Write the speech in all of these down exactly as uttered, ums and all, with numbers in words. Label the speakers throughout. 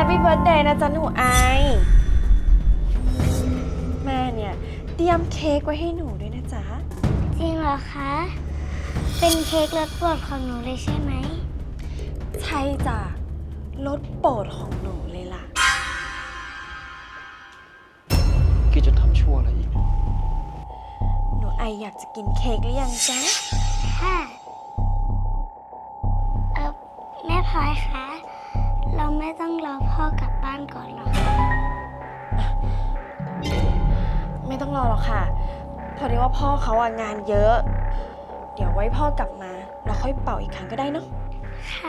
Speaker 1: ปี้เบิร์ธเดย์นะจ๊ะหนูไอแม่เนี่ยเตรียมเค้กไว้ให้หนูด้วยนะจ๊ะ
Speaker 2: จริงเหรอคะเป็นเค้กรสโปรดของหนูเลยใช่ไหม
Speaker 1: ใช่จ้ะรสโปรดของหนูเลยล่ะ
Speaker 3: กี้จะทำชั่วอะไรอีก
Speaker 1: หนูไออยากจะกินเค้กหรือยังจ๊ะ
Speaker 2: ค่ะเออแม่พลอยคะเราไม่ต้องรอพ่อกลับบ้านก่อนหรอคะ
Speaker 1: ไม่ต้องรอหรอกค่ะพอดีว่าพ่อเขาอะงานเยอะเดี๋ยวไว้พ่อกลับมาเราค่อยเป่าอีกครั้งก็ได้เนาะ
Speaker 2: ค่ะ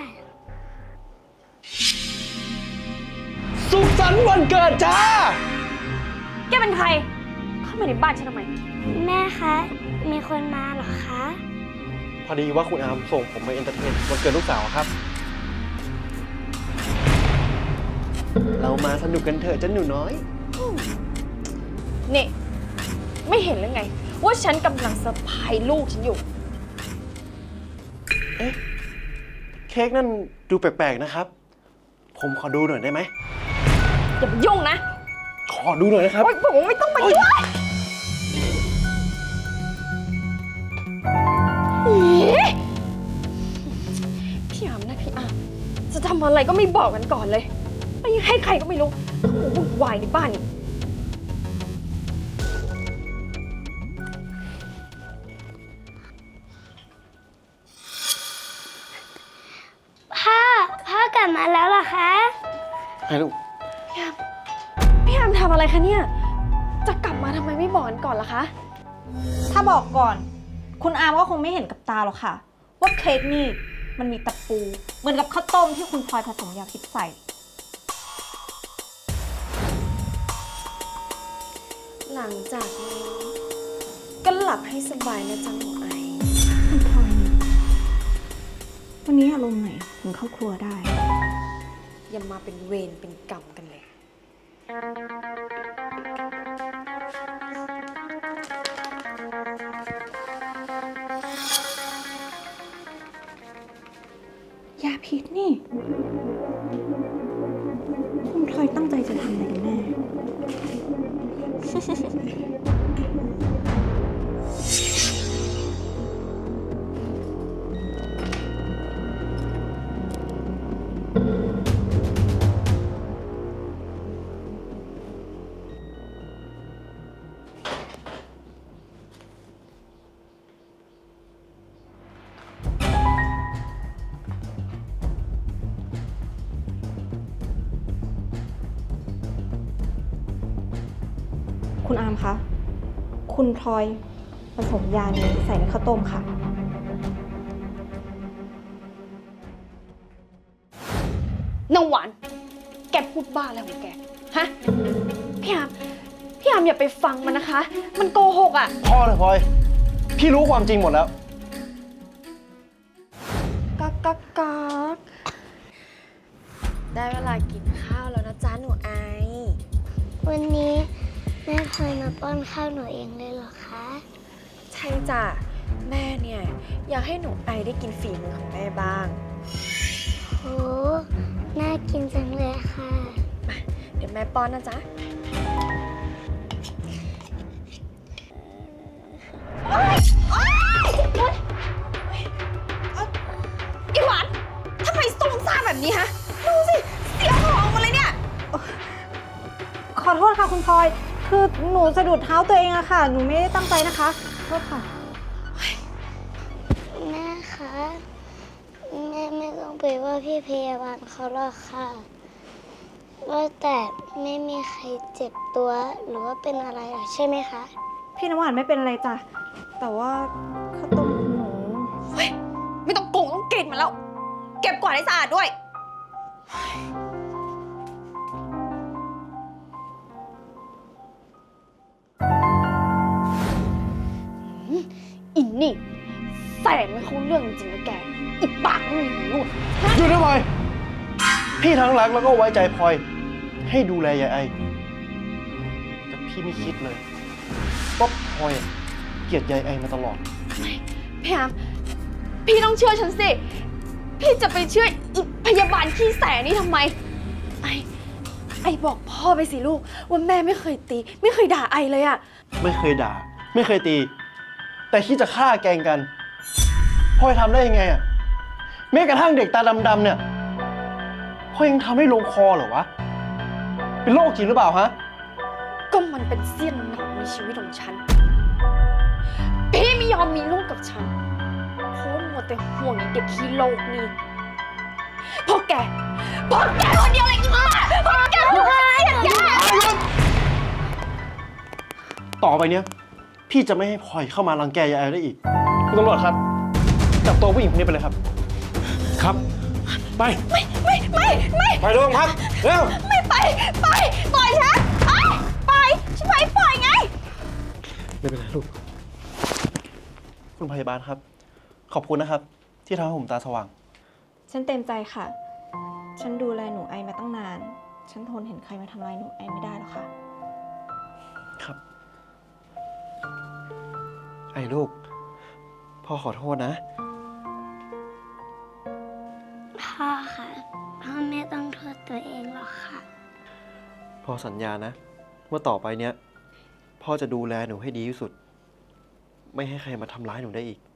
Speaker 3: สุขสันต์วันเกิดจ้า
Speaker 1: แกเป็นใครเข้ามาในบ้านฉันทำไม
Speaker 2: แม่คะมีคนมาเหรอคะ
Speaker 3: พอดีว่าคุณอามส่งผมมาเอนเตอร์เทนวันเกิดลูกสาวครับเรามาสนุกกันเถอะจ้าหนูน้อย
Speaker 1: นี่ไม่เห็นหรือไงว่าฉันกำลังเซอร์ไพรส์ลูกฉันอยู่
Speaker 3: เอ๊ะเค้กนั่นดูแปลกๆนะครับผมขอดูหน่อยได้ไหม
Speaker 1: อย่าไปยุ่งนะ
Speaker 3: ขอดูหน่อยนะครับ
Speaker 1: โอ๊ยผมไม่ต้องมายุ่งพี่อามนะพี่อามจะทำอะไรก็ไม่บอกกันก่อนเลยไม่ให้ใครก็ไม่รู้เขาวุ่นวายในบ้านนี่
Speaker 2: พ่อพ่อกลับมาแล้วเหรอคะ
Speaker 3: ไอ้ลูก
Speaker 1: พี่อามพี่อามทำอะไรคะเนี่ยจะกลับมาทำไมไม่บอกกันก่อนล่ะคะ
Speaker 4: ถ้าบอกก่อนคุณอามก็คงไม่เห็นกับตาหรอกค่ะว่าเค้กนี่มันมีตะปูเหมือนกับข้าวต้มที่คุณพลอยผสมยาพิษใส่
Speaker 1: หลังจากนี้ก็หลับให้สบายนะจ๊ะหนูไอ
Speaker 4: คุณพลอยวันนี้อารมณ์ไหนถึงเข้าครัวได้
Speaker 1: อย่ามาเป็นเวรเป็นกรรมกันเลย
Speaker 4: ยาพิษนี่คุณพลอยตั้งใจจะทำอะไรกันแน่คุณอามคะคุณพลอยผสมยานี้ใส่ในข้าวต้มค่ะ
Speaker 1: น้องหวานแกพูดบ้าอะไรของแกฮะพี่อามพี่อามอย่าไปฟังมันนะคะมันโกหกอ่ะ
Speaker 3: พอเลยพลอยพี่รู้ความจริงหมดแล้ว
Speaker 1: กักกักกักได้เวลากินข้าวแล้วนะจ๊ะหนูไอ
Speaker 2: วันนี้แม่พลอยมาป้อนข้าวหนูเองเลยเหรอคะ
Speaker 1: ใช่จ้ะแม่เนี่ยอยากให้หนูไอได้กินฝีมือของแม่บ้าง
Speaker 2: โหน่ากินจังเลยค่ะ
Speaker 1: มาเดี๋ยวแม่ป้อนนะจ๊ะอีหวานทำไมซุ่มซ่ามแบบนี้ฮะดูสิเสียของมาเลยเนี่ย
Speaker 4: ขอโทษค่ะคุณพลอยคือหนูสะดุดเท้าตัวเองอะค่ะหนูไม่ได้ตั้งใจนะคะโทษค่ะ
Speaker 2: แม่คะแม่ไม่ต้องไปว่าพี่พยาบาลเขาหรอกค่ะว่าแต่ไม่มีใครเจ็บตัวหรือว่าเป็นอะไรหรอใช่ไหมคะ
Speaker 4: พี่น้ำหวานไม่เป็นอะไรจ้ะแต่ว่าข้าวต้มหนู
Speaker 1: เฮ้ยไม่ต้องโกงต้องกินมันแล้วเก็บกวาดให้สะอาดด้วยอินนี่แสงไม่เข้าเรื่องจริงๆนะแกอีปากไม่มีหู
Speaker 3: หยุดนะพลอยพี่ทั้งรักแล้วก็ไว้ใจพลอยให้ดูแลยายไอแต่พี่ไม่คิดเลยว่าพลอยเกลียดยายไอมาตลอด
Speaker 1: พี่อามพี่ต้องเชื่อฉันสิพี่จะไปเชื่ออีพยาบาลขี้แสนี่ทำไมไอไอบอกพ่อไปสิลูกว่าแม่ไม่เคยตี ไม่เคยด่าไอเลยอะ
Speaker 3: ไม่เคยด่า ไม่เคยตี แต่คิดจะฆ่าแกล้งกันพ่อจะทำได้ยังไงอะแม้กระทั่งเด็กตาดำๆเนี่ยพ่อยังทำให้ลงคอเหรอวะ เป็นโรคจริงหรือเปล่าฮะ
Speaker 1: ก็มันเป็นเสี้ยนหนามในชีวิตของฉัน พี่ไม่ยอมมีลูกกับฉันเพราะมัวแต่ห่วงไอ้เด็กขี้โลกนี่เพราะแกเพราะแกคนเดียวเลยค่ะเพราะแกคนเดียวเลยแก
Speaker 3: ต่อไปเนี้ยพี่จะไม่ให้พลอยเข้ามารังแกยายแอลได้อีก คุณตำรวจครับ จับตัวผู้หญิงคนนี้ไปเลยครับ
Speaker 5: ครับ ไป
Speaker 1: ไม่ไม่ไม่ไม่
Speaker 5: ไปโรงพักเร็ว
Speaker 1: ไม่ไปไปปล่อยฉันไปไปฉันไปปล่อยไง
Speaker 5: ไม่เป็นไรลูก
Speaker 3: คุณพยาบาลครับ ขอบคุณนะครับ ที่ทำให้ผมตาสว่าง
Speaker 4: ฉันเต็มใจค่ะ ฉันดูแลหนูไอมาตั้งนาน ฉันทนเห็นใครมาทำร้ายหนูไอไม่ได้หรอกค่ะ
Speaker 3: ครับ ไอ้ลูก พ่อขอโทษนะ
Speaker 2: พ่อค่ะพ่อไม่ต้องโทษตัวเองหรอกค่ะ
Speaker 3: พ่อสัญญานะ ว่าต่อไปเนี้ย พ่อจะดูแลหนูให้ดีที่สุด ไม่ให้ใครมาทำร้ายหนูได้อีก